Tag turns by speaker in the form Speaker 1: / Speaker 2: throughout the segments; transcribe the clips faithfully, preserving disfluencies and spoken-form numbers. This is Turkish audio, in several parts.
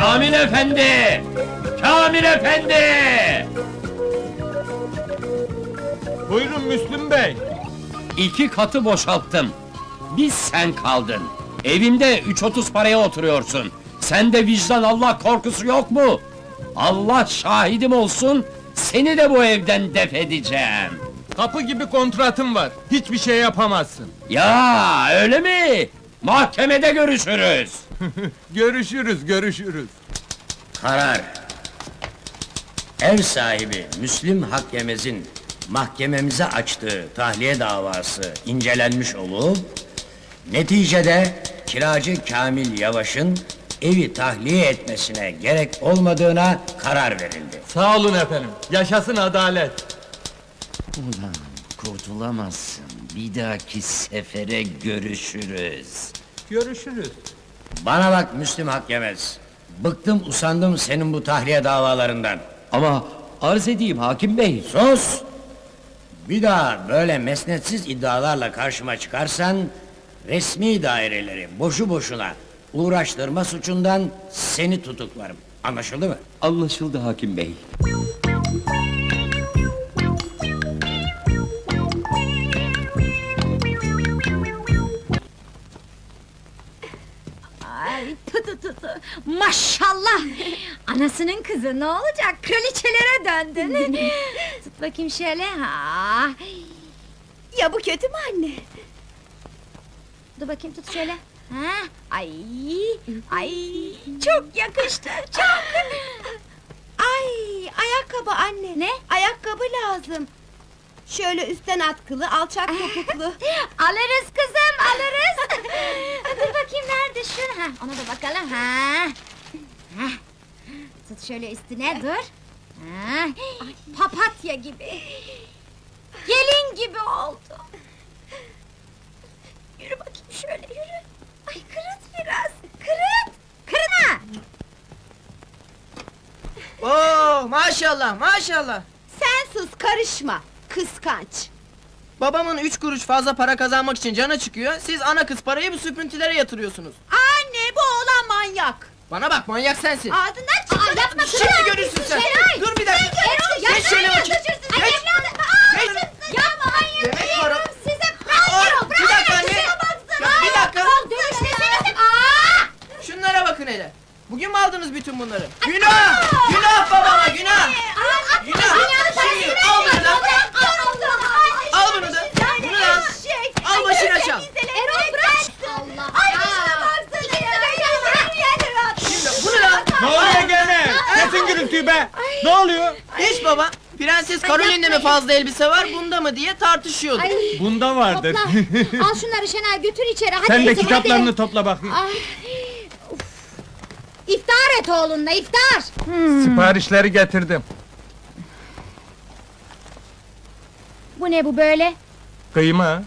Speaker 1: Kamil efendi! Kamil efendi!
Speaker 2: Buyurun Müslüm Bey.
Speaker 1: İki katı boşalttım. Biz sen kaldın. Evimde üç otuz paraya oturuyorsun. Sende vicdan Allah korkusu yok mu? Allah şahidim olsun, seni de bu evden def edeceğim.
Speaker 2: Kapı gibi kontratım var. Hiçbir şey yapamazsın.
Speaker 1: Ya öyle mi? Mahkemede görüşürüz.
Speaker 2: Görüşürüz, görüşürüz.
Speaker 3: Karar. Ev sahibi Müslim Hakyemez'in mahkememize açtığı tahliye davası incelenmiş olup, neticede kiracı Kamil Yavaş'ın evi tahliye etmesine gerek olmadığına karar verildi.
Speaker 2: Sağ olun efendim. Yaşasın adalet.
Speaker 1: Ulan kurtulamazsın. Bir dahaki sefere görüşürüz.
Speaker 2: Görüşürüz.
Speaker 3: Bana bak Müslim Hakyemez. Bıktım usandım senin bu tahliye davalarından.
Speaker 1: Ama arz edeyim hakim bey.
Speaker 3: Sus! Bir daha böyle mesnetsiz iddialarla karşıma çıkarsan, resmi daireleri boşu boşuna uğraştırma suçundan seni tutuklarım. Anlaşıldı mı?
Speaker 1: Anlaşıldı hakim bey.
Speaker 4: Ay tu tu tu tu. Maşallah! Anasının kızı ne olacak? Kraliçelere döndün. Tut bakayım şöyle. Ha.
Speaker 5: Ya bu kötü mü anne?
Speaker 4: Dur bakayım tut şöyle. Ha. Ay! Ay! Çok yakıştı. Çok.
Speaker 5: Ay, ayakkabı anne.
Speaker 4: Ne?
Speaker 5: Ayakkabı lazım. Şöyle üstten atkılı, alçak topuklu.
Speaker 4: Alırız kızım, alırız. Dur bakayım nerede şu? Ha, ona da bakalım. Ha. Ha. Tut şöyle üstüne dur. Ha. Papatya gibi. Gelin gibi oldu. Yürü bakayım şöyle yürü. Ay kırıt biraz. Kırıt. Kırına.
Speaker 6: Oo maşallah maşallah.
Speaker 5: Sen sus, karışma. Kıskanç.
Speaker 6: Babamın üç kuruş fazla para kazanmak için canı çıkıyor. Siz ana kız parayı bu süprüntülere yatırıyorsunuz.
Speaker 5: Anne, bu oğlan manyak.
Speaker 6: Bana bak manyak sensin.
Speaker 5: Ağzından çıktı.
Speaker 4: Aa, yapma kızım.
Speaker 6: Şimdi görürsün sen.
Speaker 4: Şenay.
Speaker 6: Dur bir dakika.
Speaker 4: Erol,
Speaker 6: Geç şöyle bakayım.
Speaker 4: Ay
Speaker 6: Geç.
Speaker 4: evladım. Aa,
Speaker 6: Geç.
Speaker 4: yapma manyak.
Speaker 6: Demek para.
Speaker 4: Size
Speaker 6: Aa,
Speaker 4: Erol,
Speaker 6: bir dakika anne.
Speaker 4: şuna baksana.
Speaker 6: Ya, bir dakika.
Speaker 4: Erol, dönüştesenize. Aa!
Speaker 6: Şunlara bakın hele. Bugün mü aldınız bütün bunları? Günah! Günah babama günah! Günah! Şimdi al bunu da. Al bunu da. Bunu da al. Al başına çal.
Speaker 4: Erol bırak. Allah. Ay şuna baksana ya.
Speaker 6: Şimdi bunu da.
Speaker 2: Ne oluyor gene? Kesin gürültüyü be! Ne oluyor?
Speaker 6: Hiç baba. Prenses Caroline'de mi fazla elbise var, bunda mı diye tartışıyorduk.
Speaker 2: Bunda vardır.
Speaker 4: Topla. Al şunları Şenay götür içeri. Hadi
Speaker 2: Sen de
Speaker 4: kızım,
Speaker 2: kitaplarını
Speaker 4: hadi.
Speaker 2: topla bakayım.
Speaker 4: Ay. Uf. İftar et oğlunla iftar.
Speaker 2: Siparişleri getirdim.
Speaker 4: Bu ne bu böyle?
Speaker 2: Kıyma.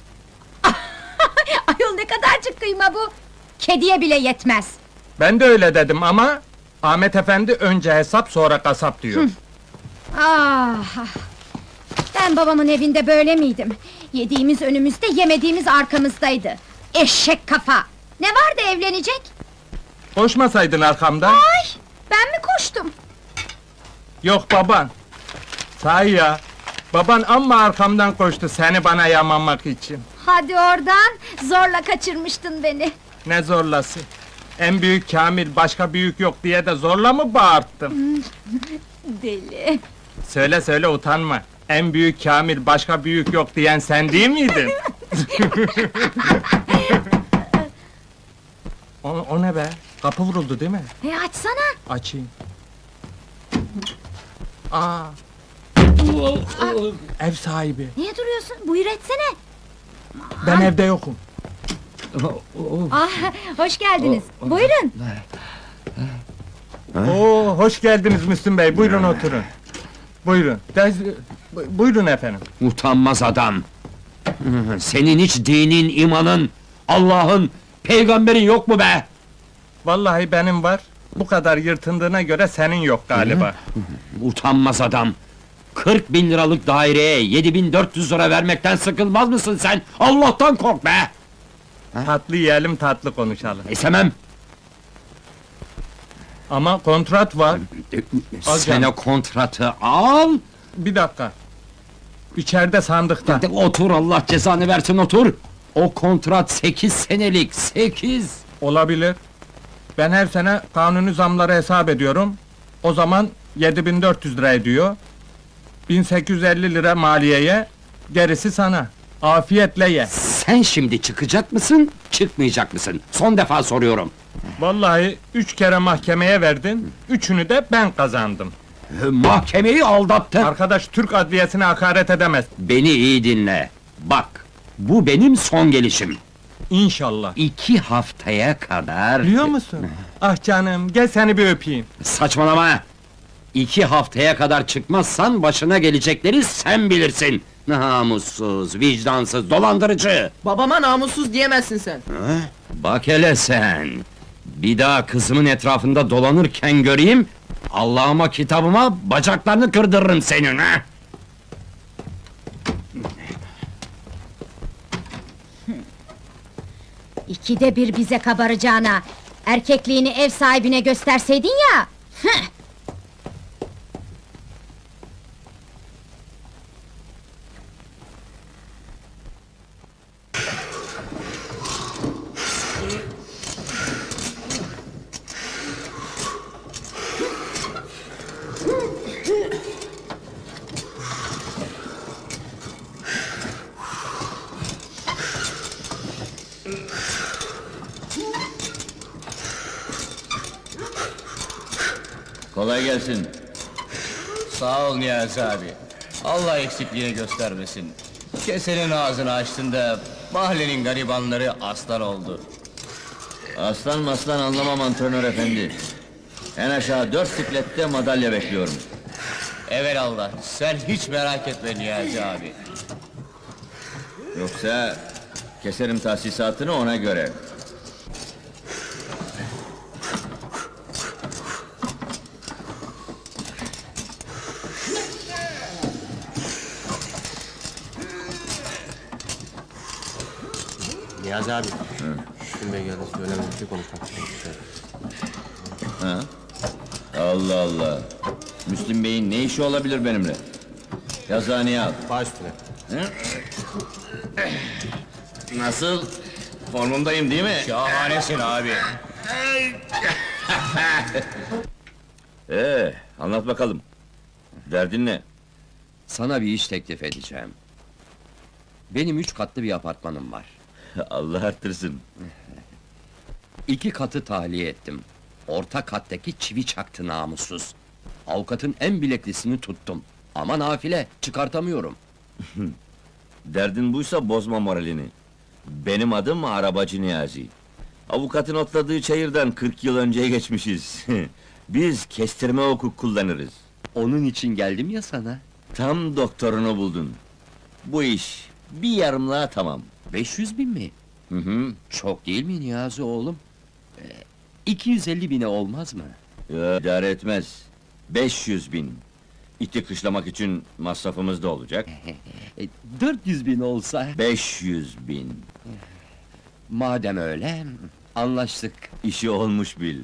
Speaker 4: Ayol ne kadarcık kıyma bu? Kediye bile yetmez.
Speaker 2: Ben de öyle dedim ama Ahmet Efendi önce hesap sonra kasap diyor.
Speaker 4: Ah! ah. Ben babamın evinde böyle miydim? Yediğimiz önümüzde, yemediğimiz arkamızdaydı. Eşek kafa! Ne vardı evlenecek?
Speaker 2: Koşmasaydın arkamdan.
Speaker 4: Ay! Ben mi koştum?
Speaker 2: Yok baban. Sahi ya. Baban amma arkamdan koştu seni bana yamamak için.
Speaker 4: Hadi oradan, zorla kaçırmıştın beni.
Speaker 2: Ne zorlası. En büyük Kamil başka büyük yok diye de zorla mı bağırttım?
Speaker 4: Deli!
Speaker 2: Söyle söyle utanma. En büyük Kamil başka büyük yok diyen sen değil miydin? o, o ne be? Kapı vuruldu değil mi?
Speaker 4: E açsana!
Speaker 2: Açayım. Aa, ev sahibi.
Speaker 4: Niye duruyorsun? Buyur etsene!
Speaker 2: Ben evde yokum.
Speaker 4: Ah, hoş geldiniz. Buyurun!
Speaker 2: Oo, hoş geldiniz Müslüm Bey. Buyurun oturun. Buyurun. Dez- bu- buyurun efendim.
Speaker 1: Utanmaz adam! Senin hiç dinin, imanın, Allah'ın, peygamberin yok mu be?
Speaker 2: Vallahi benim var. Bu kadar yırtındığına göre senin yok galiba.
Speaker 1: Utanmaz adam! Kırk bin liralık daireye yedi bin dört yüz lira vermekten sıkılmaz mısın sen? Allah'tan kork be!
Speaker 2: Tatlı yiyelim, tatlı konuşalım.
Speaker 1: İstemem!
Speaker 2: Ama kontrat var. Al
Speaker 1: Sen
Speaker 2: canım.
Speaker 1: o kontratı al.
Speaker 2: Bir dakika. İçeride sandıkta.
Speaker 1: De, otur, Allah cezanı versin, otur. O kontrat sekiz senelik, sekiz.
Speaker 2: Olabilir. Ben her sene kanuni zamları hesap ediyorum. O zaman yedi bin dört yüz lira ediyor. bin sekiz yüz elli lira maliyeye, gerisi sana. Afiyetle ye.
Speaker 1: Sen şimdi çıkacak mısın, çıkmayacak mısın? Son defa soruyorum.
Speaker 2: Vallahi üç kere mahkemeye verdin, üçünü de ben kazandım.
Speaker 1: Mahkemeyi aldattın.
Speaker 2: Arkadaş Türk adliyesine hakaret edemez.
Speaker 1: Beni iyi dinle. Bak, bu benim son gelişim.
Speaker 2: İnşallah.
Speaker 1: İki haftaya kadar...
Speaker 2: Biliyor musun? Ah canım, gel seni bir öpeyim.
Speaker 1: Saçmalama! İki haftaya kadar çıkmazsan başına gelecekleri sen bilirsin. Namussuz, vicdansız, dolandırıcı!
Speaker 6: Babama namussuz diyemezsin sen.
Speaker 1: Bak hele sen! Bir daha kızımın etrafında dolanırken göreyim... Allah'ıma kitabıma bacaklarını kırdırırım senin ha!
Speaker 4: İkide bir bize kabaracağına, erkekliğini ev sahibine gösterseydin ya! Hıh!
Speaker 7: Kolay gelsin. Sağ ol Niyazi abi. Allah eksikliğini göstermesin. Kesenin ağzını açtın da mahallenin garibanları aslan oldu. Aslan maslan anlamam antrenör efendi. En aşağı dört siklette madalya bekliyorum. Evelallah, sen hiç merak etme Niyazi abi. Yoksa keserim tahsisatını ona göre.
Speaker 8: Niyazi abi. Müslüm Bey geldi, söylemem bir şey konuşmak istiyorum.
Speaker 7: Ha? Allah Allah. Müslüm Bey'in ne işi olabilir benimle? Yazıhaneye al.
Speaker 8: Baş üstüne.
Speaker 7: Nasıl? Formundayım değil mi? Şahanesin abi. Ee, anlat bakalım. Derdin ne?
Speaker 1: Sana bir iş teklif edeceğim. Benim üç katlı bir apartmanım var.
Speaker 7: Allah arttırsın.
Speaker 1: İki katı tahliye ettim. Orta kattaki çivi çaktı namussuz. Avukatın en bileklisini tuttum. Ama nafile, çıkartamıyorum.
Speaker 7: Derdin buysa bozma moralini. Benim adım Arabacı Niyazi. Avukatın otladığı çayırdan kırk yıl önceye geçmişiz. Biz kestirme hukuk kullanırız.
Speaker 1: Onun için geldim ya sana.
Speaker 7: Tam doktorunu buldun. Bu iş bir yarımlığa tamam.
Speaker 1: beş yüz bin mi?
Speaker 7: Hı hı.
Speaker 1: Çok değil mi Niyazi oğlum? Ee, iki yüz elli bine olmaz mı?
Speaker 7: Ya, idare etmez. beş yüz bin. İti kışlamak için masrafımız da olacak.
Speaker 1: E, dört yüz bin olsa?
Speaker 7: beş yüz bin.
Speaker 1: Madem öyle, anlaştık.
Speaker 7: İşi olmuş bil.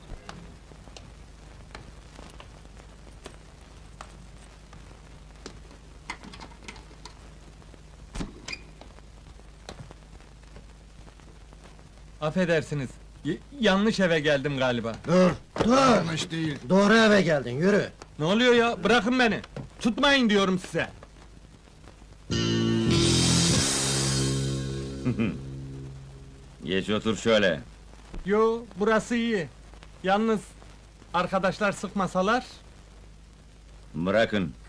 Speaker 2: Affedersiniz. y- yanlış eve geldim galiba.
Speaker 9: Dur, dur! Yanlış değil. Doğru eve geldin, yürü!
Speaker 2: Ne oluyor ya? Bırakın beni! Tutmayın diyorum size!
Speaker 7: Geç otur şöyle.
Speaker 2: Yo, burası iyi. Yalnız, arkadaşlar sıkmasalar...
Speaker 7: Bırakın.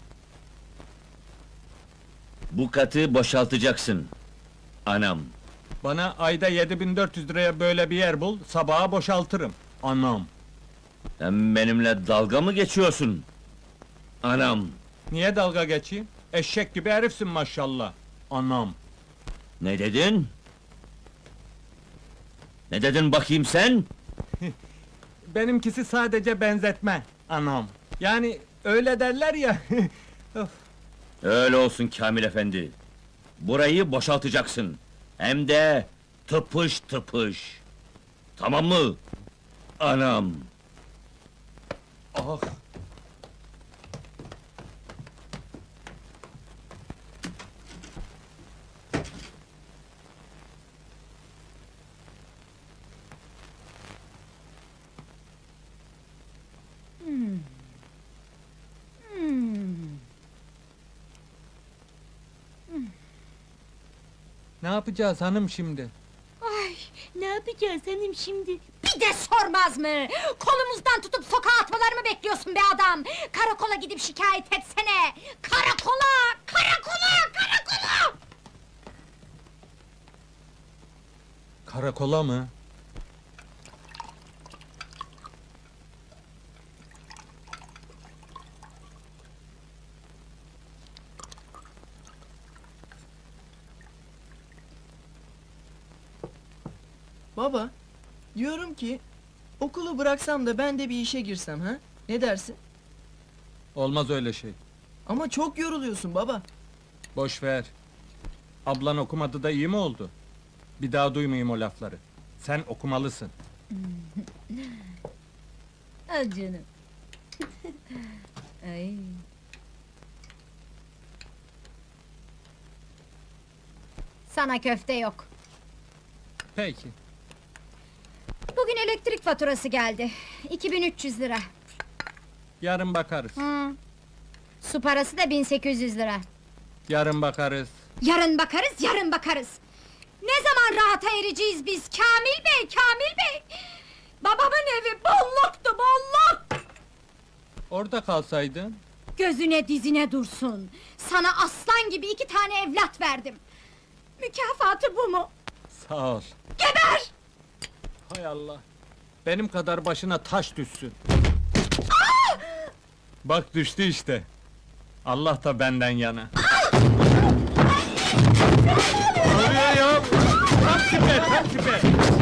Speaker 7: Bu katı boşaltacaksın. Anam.
Speaker 2: Bana ayda yedi bin dört yüz liraya böyle bir yer bul, sabaha boşaltırım. Anam!
Speaker 7: Sen benimle dalga mı geçiyorsun? Anam.
Speaker 2: Niye dalga geçeyim? Eşek gibi herifsin maşallah. Anam!
Speaker 7: Ne dedin? Ne dedin bakayım sen?
Speaker 2: Benimkisi sadece benzetme, anam. Yani öyle derler ya. Of.
Speaker 7: Öyle olsun Kamil efendi. Burayı boşaltacaksın. Hem de tıpış tıpış. Tamam mı? Anam.
Speaker 2: Ah! Ne yapacağız hanım şimdi?
Speaker 5: Ay, ne yapacağız hanım şimdi?
Speaker 4: Bir de sormaz mı? Kolumuzdan tutup sokağa atmalarımı bekliyorsun be adam! Karakola gidip şikayet etsene! Karakola! Karakola! Karakola!
Speaker 2: Karakola mı?
Speaker 6: Baba, diyorum ki okulu bıraksam da ben de bir işe girsem ha? Ne dersin?
Speaker 2: Olmaz öyle şey.
Speaker 6: Ama çok yoruluyorsun baba.
Speaker 2: Boş ver. Ablan okumadı da iyi mi oldu? Bir daha duymayayım o lafları. Sen okumalısın.
Speaker 4: Al canım. Ay. Sana köfte yok.
Speaker 2: Peki.
Speaker 4: Bugün elektrik faturası geldi. iki bin üç yüz lira.
Speaker 2: Yarın bakarız.
Speaker 4: Hı. Su parası da bin sekiz yüz lira.
Speaker 2: Yarın bakarız.
Speaker 4: Yarın bakarız, yarın bakarız. Ne zaman rahata ereceğiz biz Kamil Bey, Kamil Bey? Babamın evi bolluktu, bolluk!
Speaker 2: Orada kalsaydın.
Speaker 4: Gözüne dizine dursun. Sana aslan gibi iki tane evlat verdim. Mükafatı bu mu?
Speaker 2: Sağ ol.
Speaker 4: Geber!
Speaker 2: Hay Allah. Benim kadar başına taş düşsün. Bak düştü işte. Allah da benden yana. Ne oluyor ya? Tam süper, tam süper.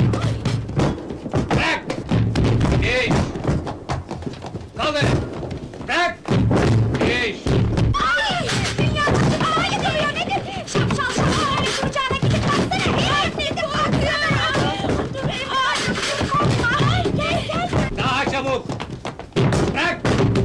Speaker 1: Bırak! İş! Kaldır! Bırak! İş!
Speaker 4: Ay! Dünya taşı havaya gidiyor nedir? Şapşal şapşal öyle kucağına gidip baksana! Herif nedir bakıyor? Ay! Korkma! Ay! Gel gel!
Speaker 1: Daha çabuk! Bırak!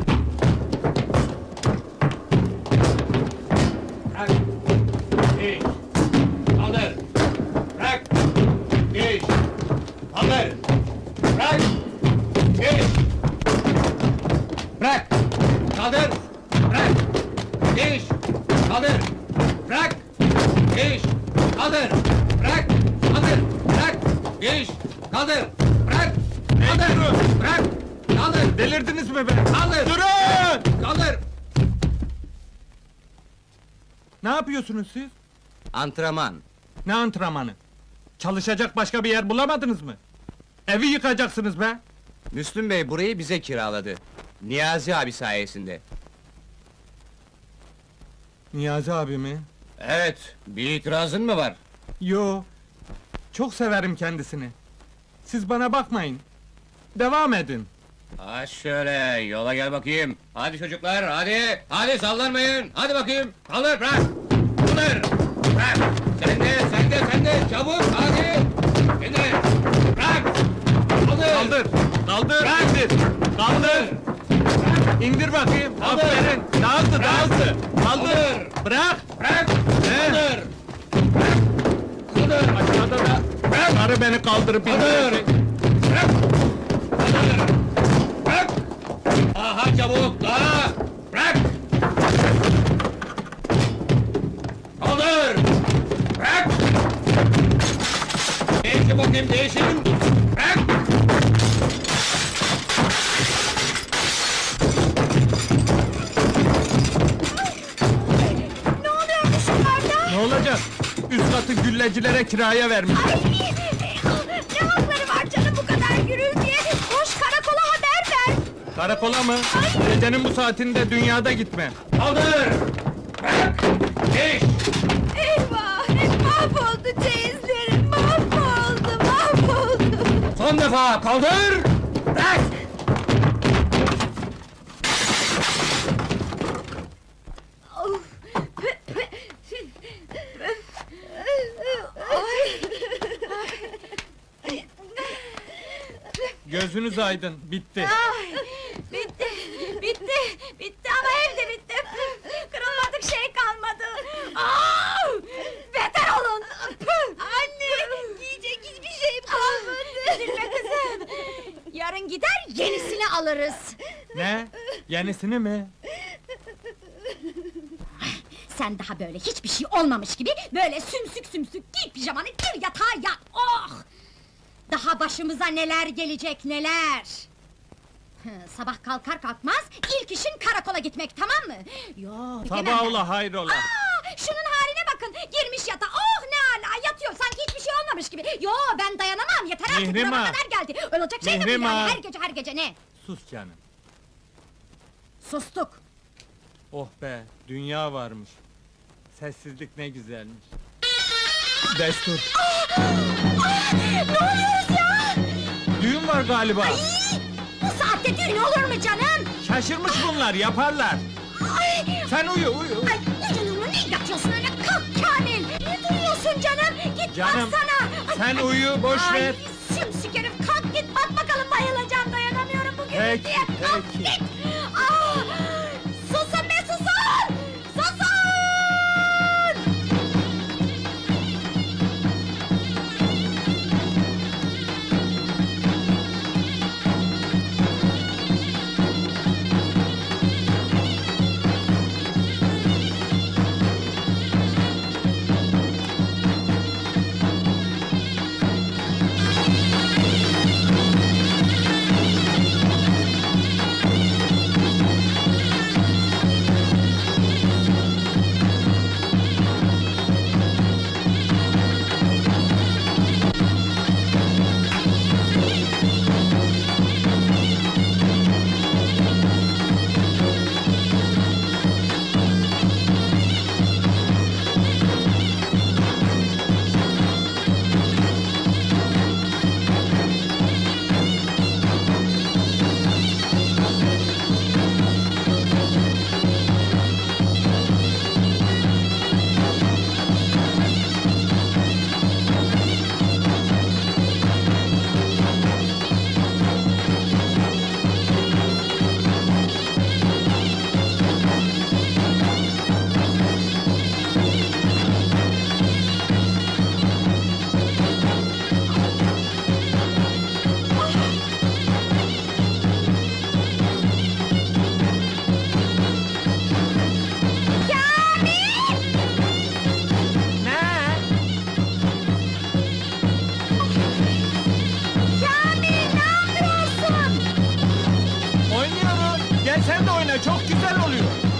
Speaker 1: Bırak! İş! Kaldır! Bırak! İş! Kaldır! Bırak! İş! Bırak! Kaldır! Bırak! İş! Kaldır! Bırak! İş! Kaldır! Bırak! Kaldır! Bırak! İş! Kaldır! Bırak! Kaldır! Bırak! Kaldır!
Speaker 2: Delirdiniz mi be?
Speaker 1: Kaldır!
Speaker 2: Durun!
Speaker 1: Kaldır!
Speaker 2: Ne yapıyorsunuz siz?
Speaker 7: Antrenman.
Speaker 2: Ne antrenmanı? Çalışacak başka bir yer bulamadınız mı? Evi yıkacaksınız be!
Speaker 7: Müslüm Bey burayı bize kiraladı. Niyazi abi sayesinde.
Speaker 2: Niyazi abi mi?
Speaker 1: Evet, bir itirazın mı var?
Speaker 2: Yo, çok severim kendisini. Siz bana bakmayın. Devam edin.
Speaker 1: Ha şöyle, yola gel bakayım. Hadi çocuklar, hadi! Hadi sallanmayın! Hadi bakayım! Kaldır, bırak! Kaldır! Bırak! Sen de, sen de, sen de! Çabuk, hadi! Şimdi! Bırak! Kaldır!
Speaker 2: Kaldır! Kaldır!
Speaker 1: Bırak!
Speaker 2: İndir! Kaldır! İndir bakayım!
Speaker 1: Kaldır!
Speaker 2: Aferin! Daha hızlı, daha hızlı! Kaldır!
Speaker 1: Kaldır!
Speaker 2: Bırak!
Speaker 1: Bırak!
Speaker 2: Ne?
Speaker 1: Kaldır! Bırak! Kaldır!
Speaker 2: Aşağıda da
Speaker 1: Bırak!
Speaker 2: karı beni kaldırıp
Speaker 1: Kaldır!
Speaker 2: indirecek.
Speaker 1: Bırak! Kaldır! Bırak! Daha çabuk, daha! Bırak! Kaldır! Bırak! Değişin bakayım, değişin! Bırak!
Speaker 4: Ne oluyormuş yukarıda?
Speaker 2: Ne olacak? Üst katı güllecilere kiraya vermiş.
Speaker 4: Ay! Ne hakları var canım bu kadar gürültüye? Koş karakola haber ver!
Speaker 2: Karakola mı? Gecenin bu saatinde dünyada gitme.
Speaker 1: Kaldır! Bırak! Değiş!
Speaker 5: Eyvah! Mahvoldu çeyizlerim! Mahvoldu, mahvoldu!
Speaker 1: Son defa kaldır! Bırak!
Speaker 2: Gözünüz aydın, bitti.
Speaker 5: Bitti!
Speaker 4: bitti, bitti ama ev de bitti. Kırılmadık şey kalmadı. Aa! Beter olun. Anne, giyecek hiçbir şeyim kalmadı. Üzülme kızım. Yarın gider yenisini alırız.
Speaker 2: Ne? Yenisini mi?
Speaker 4: Sen daha böyle hiçbir şey olmamış gibi böyle sümsük sümsük giy pijamanı gir yatağa yat. Oh! Daha başımıza neler gelecek neler! Hı, sabah kalkar kalkmaz ilk işin karakola gitmek, tamam mı? Yo, gidemem
Speaker 2: Sabah
Speaker 4: ben.
Speaker 2: ola hayrola.
Speaker 4: Aa, şunun haline bakın, girmiş yatağa, oh ne ala, yatıyor sanki hiçbir şey olmamış gibi. Yo, ben dayanamam, yeter artık,
Speaker 2: Mihrimah!
Speaker 4: burama kadar geldi. Olacak şey de bu
Speaker 2: Mihrimah!
Speaker 4: yani, her gece her gece ne?
Speaker 2: Sus canım.
Speaker 4: Sustuk.
Speaker 2: Oh be, dünya varmış. Sessizlik ne güzelmiş. Destur.
Speaker 4: Ne oluyoruz ya?
Speaker 2: Düğün var galiba.
Speaker 4: Bu saatte düğün olur mu canım?
Speaker 2: Şaşırmış bunlar, yaparlar.
Speaker 4: Ay!
Speaker 2: Sen uyu, uyu.
Speaker 4: Ay, ucunun mu, ne yatıyorsun öyle? Kalk Kamil! Ne duruyorsun canım? Git
Speaker 2: Canım,
Speaker 4: baksana! Ay,
Speaker 2: sen uyu, boş
Speaker 4: ay,
Speaker 2: ver.
Speaker 4: Sümsük herif, kalk git bak bakalım, bayılacağım, dayanamıyorum bu
Speaker 2: Peki,
Speaker 4: gürültüye! Kalk
Speaker 2: peki.
Speaker 4: git! Aa, susun be, susun! Susun!
Speaker 2: Ne?
Speaker 4: Kamil, ne yapıyorsun?
Speaker 2: Oynuyorum. Gel sen de oyna, çok güzel oluyor.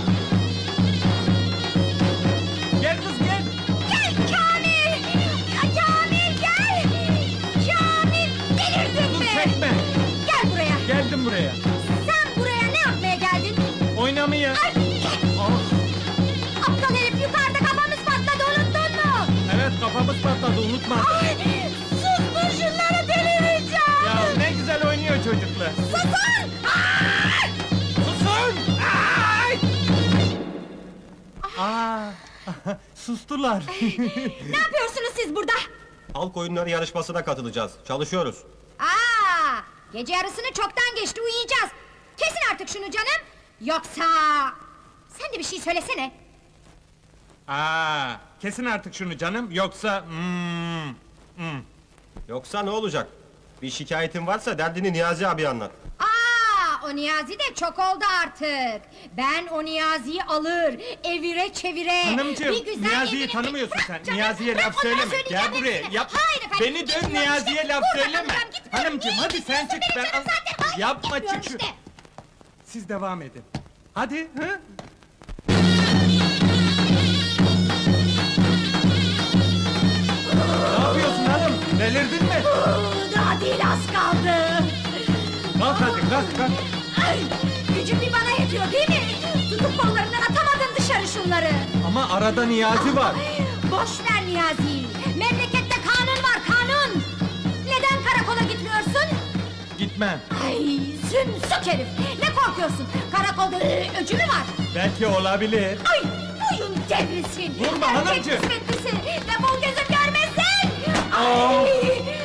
Speaker 2: Gel kız gel.
Speaker 4: Gel Kamil! Ya Kamil gel! Kamil, delirdin
Speaker 2: Dur
Speaker 4: mi?
Speaker 2: çekme.
Speaker 4: Gel buraya!
Speaker 2: Geldim buraya.
Speaker 4: Sen buraya ne yapmaya geldin?
Speaker 2: Oynamaya.
Speaker 4: Ay!
Speaker 2: Ah,
Speaker 4: Aptal herif, yukarıda kafamız patladı, unuttun mu?
Speaker 2: evet kafamız patladı, unutma.
Speaker 4: Ay! Sus şunları, delireceğim!
Speaker 2: Ya ne güzel oynuyor çocuklar.
Speaker 4: Susun! Ay!
Speaker 2: Susun! Ay! Aa, sustular.
Speaker 4: Ne yapıyorsunuz siz burada?
Speaker 8: Halk oyunları yarışmasına katılacağız. Çalışıyoruz.
Speaker 4: Aa! Gece yarısını çoktan geçti, uyuyacağız. Kesin artık şunu canım! Yoksa... Sen de bir şey söylesene!
Speaker 2: Aa, kesin artık şunu canım, yoksa... Hmm, hmm.
Speaker 8: Yoksa ne olacak? Bir şikayetin varsa derdini Niyazi abi anlat.
Speaker 4: Aa, o Niyazi de çok oldu artık. Ben o Niyazi'yi alır, evire çevire...
Speaker 2: Hanımcığım,
Speaker 4: bir güzel
Speaker 2: Niyazi'yi
Speaker 4: evine-
Speaker 2: tanımıyorsun
Speaker 4: Bırak
Speaker 2: sen.
Speaker 4: canım,
Speaker 2: Niyazi'ye
Speaker 4: bırak,
Speaker 2: laf
Speaker 4: onlara
Speaker 2: söyleme.
Speaker 4: söyleyeceğim
Speaker 2: Gel buraya,
Speaker 4: hepsini.
Speaker 2: yap.
Speaker 4: Hayır efendim,
Speaker 2: Beni dön,
Speaker 4: gitmiyorum
Speaker 2: Niyazi'ye
Speaker 4: işte.
Speaker 2: laf
Speaker 4: Burada
Speaker 2: söyleme.
Speaker 4: kalacağım, gitmiyorum.
Speaker 2: Hanımcığım,
Speaker 4: Niye
Speaker 2: hadi sen
Speaker 4: gitmiyorsun
Speaker 2: çık,
Speaker 4: benim
Speaker 2: ben...
Speaker 4: canım zaten? Hayır,
Speaker 2: Yapma,
Speaker 4: gitmiyorum
Speaker 2: çık şu...
Speaker 4: işte.
Speaker 2: Siz devam edin. Hadi, hı? Ne yapıyorsun hanım? Delirdin mi?
Speaker 4: Daha değil, az kaldı.
Speaker 2: Kalk hadi, kalk, kalk.
Speaker 4: Ay, gücüm bir bana yetiyor değil mi? Tutup kollarından atamadın dışarı şunları.
Speaker 2: Ama arada Niyazi var.
Speaker 4: Boş ver Niyazi'yi. Memlekette kanun var, kanun. Neden karakola gitmiyorsun?
Speaker 2: Gitmem.
Speaker 4: Ay, sümsük herif. Ne korkuyorsun? Karakolda ıı, öcü mü var?
Speaker 2: Belki olabilir.
Speaker 4: Ay, boyun devrilsin.
Speaker 2: Vurma
Speaker 4: Erkek
Speaker 2: hanımcığım.
Speaker 4: kısmetlisi. Defol gözüm görmesin.
Speaker 2: Aa.
Speaker 4: Ay,